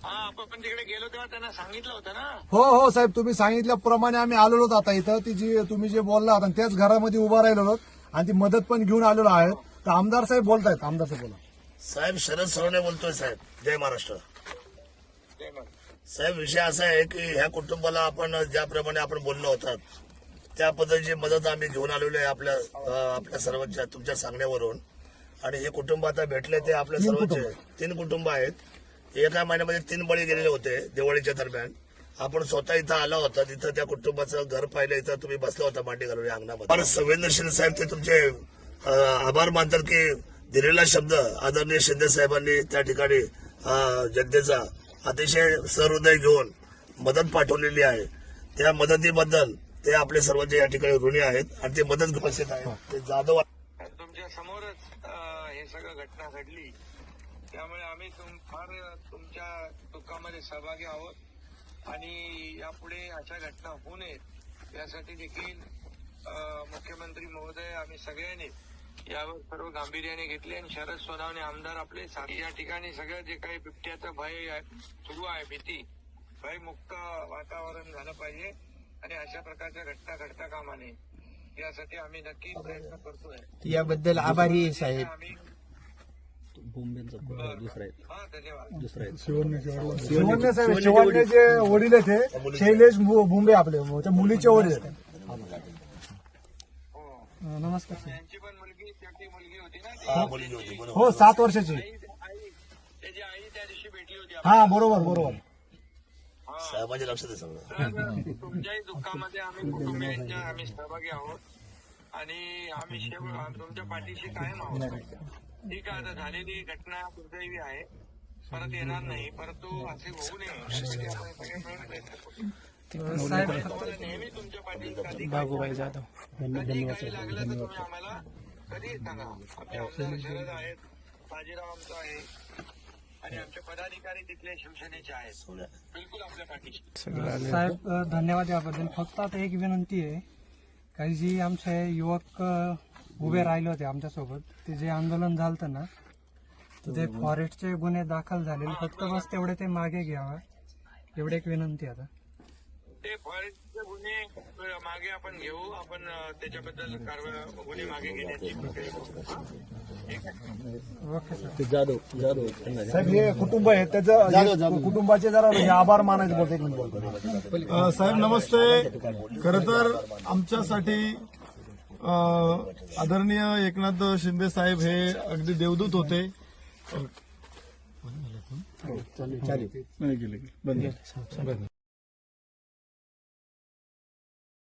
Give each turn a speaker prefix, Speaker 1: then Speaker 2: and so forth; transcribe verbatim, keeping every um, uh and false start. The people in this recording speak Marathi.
Speaker 1: हा आपण तिकडे गेलो तेव्हा त्यांना सांगितलं होतं ना.
Speaker 2: हो हो साहेब, तुम्ही सांगितल्याप्रमाणे आम्ही आलेलो आहोत आता इथं. ती जी तुम्ही जे बोलला होता त्याच घरामध्ये उभा राहिलो आहोत आणि ती मदत पण घेऊन आलेलो आहे. तर आमदार साहेब बोलतायत. आमदार साहेब बोला.
Speaker 3: साहेब शरद सोनवणे बोलतोय. साहेब जय महाराष्ट्र.
Speaker 1: ते मग
Speaker 3: साहेब विषय असा आहे की ह्या कुटुंबाला आपण ज्याप्रमाणे आपण बोललो होतात त्या पद्धतीची मदत आम्ही घेऊन आलेलो आहे आपल्या अं, आपल्या सर्वांच्या तुमच्या सांगण्यावरून. आणि हे कुटुंब आता भेटले ते आपल्या सर्वांचे तीन कुटुंब आहेत. एका महिन्यामध्ये तीन बळी गेलेले होते दिवाळीच्या दरम्यान. आपण स्वतः इथं आला होता, तिथं त्या कुटुंबाचं घर पाहिलं. इथं तुम्ही बसला होता मांडी घालून या अंगणामध्ये. फार संवेदनशील साहेब ते तुमचे अं, आभार मानतात की दिलेला शब्द आदरणीय शिंदे साहेबांनी त्या ठिकाणी अं, जनतेचा अतिशय सहृदय घेऊन मदत पाठवलेली आहे. त्या मदतीबद्दल ते आपले सर्वांचे या ठिकाणी ऋणी आहेत आणि ते मदत उपस्थित आहेत. ते जाधव
Speaker 1: तुमच्या समोरच अं, हे सगळं घटना घडली. त्यामुळे आम्ही तुम फार तुमच्या दुःखामध्ये सहभागी आहोत आणि यापुढे अशा घटना होऊ नयेत यासाठी देखील अं, मुख्यमंत्री महोदय आम्ही सगळ्यांनी यावर सर्व गांभीर्याने घेतले आणि शरद सोनवणे आमदार आपले साथी या ठिकाणी सगळं जे काही बिबट्याचं भय आहे, सुरू आहे, भीती भयमुक्त वातावरण झालं पाहिजे आणि अशा प्रकारच्या घटना घडता कामा नये यासाठी आम्ही नक्की प्रयत्न करतोय.
Speaker 4: याबद्दल आभारी आहे साहेब.
Speaker 1: आम्ही
Speaker 4: दुसरा
Speaker 1: हा धन्यवाद.
Speaker 4: दुसरा
Speaker 2: शिवण्य साहेब, शिवण्य जे वडील आहेत ते शैलेश भुंबे आपले त्या मुलीचे वडील आहेत. नमस्कार साहेब.
Speaker 1: त्यांची पण मुलगी त्याची मुलगी होती ना ती.
Speaker 3: हा, मुलगी होती बरोबर.
Speaker 2: हो, सात वर्षाची.
Speaker 1: आई आई त्याची आई त्या दिवशी भेटली होती.
Speaker 2: हा बरोबर बरोबर.
Speaker 3: साहेबांच्या लक्षात आहे सगळं.
Speaker 1: तर तुमच्याही दुःखामध्ये आम्ही कुटुंबियांच्या आम्ही सहभागी आहोत आणि आम्ही शेव- तुमच्या पाठीशी कायम आहोत. ठीक आहे, आता झालेली घटना दुर्दैवी आहे, परत येणार नाही, परंतु असे होऊ नये यासाठी आपण सगळे मिळून प्रयत्न करू. तुम्हाला नेहमी तुमच्या पाठीशी
Speaker 4: बाबूभाई जाधव
Speaker 1: कधी काही लागलं तर तुम्ही आम्हाला कधी सांगा. आमचे आमदार शरद आहेत, बाजीराव आमचा आहे आणि आमचे पदाधिकारी तिथले शिवसेनेचे आहेत. बिलकुल आपल्या पाठीशी.
Speaker 5: साहेब अ, धन्यवाद याबद्दल. फक्त आता एक विनंती आहे, काही जी आमचे युवक अ, उभे राहिले होते आमच्यासोबत, ते जे आंदोलन झालं ना, तर ते फॉरेस्टचे गुन्हे दाखल झालेले, फक्त बस तेवढे ते मागे घ्यावा एवढी एक विनंती आहे. आता
Speaker 1: ते फॉरेस्टचे गुन्हे मागे आपण घेऊ, आपण अ, त्याच्याबद्दल कारवाई गुन्हे मागे घेण्याची प्रक्रिया करू. ठीक आहे.
Speaker 5: Okay sir.
Speaker 4: जाधव जाधव
Speaker 2: साहेब हे कुटुंब आहे त्याचं कुटुंबाचे जरा हे आभार मानायचे बोलतो. एक मिनिट बोलतो.
Speaker 6: अ, साहेब नमस्ते. खरं तर आमच्यासाठी अ, आदरणीय एकनाथ शिंदे साहेब हे अगदी देवदूत होते.
Speaker 4: चालेल
Speaker 6: नाही गेले बंद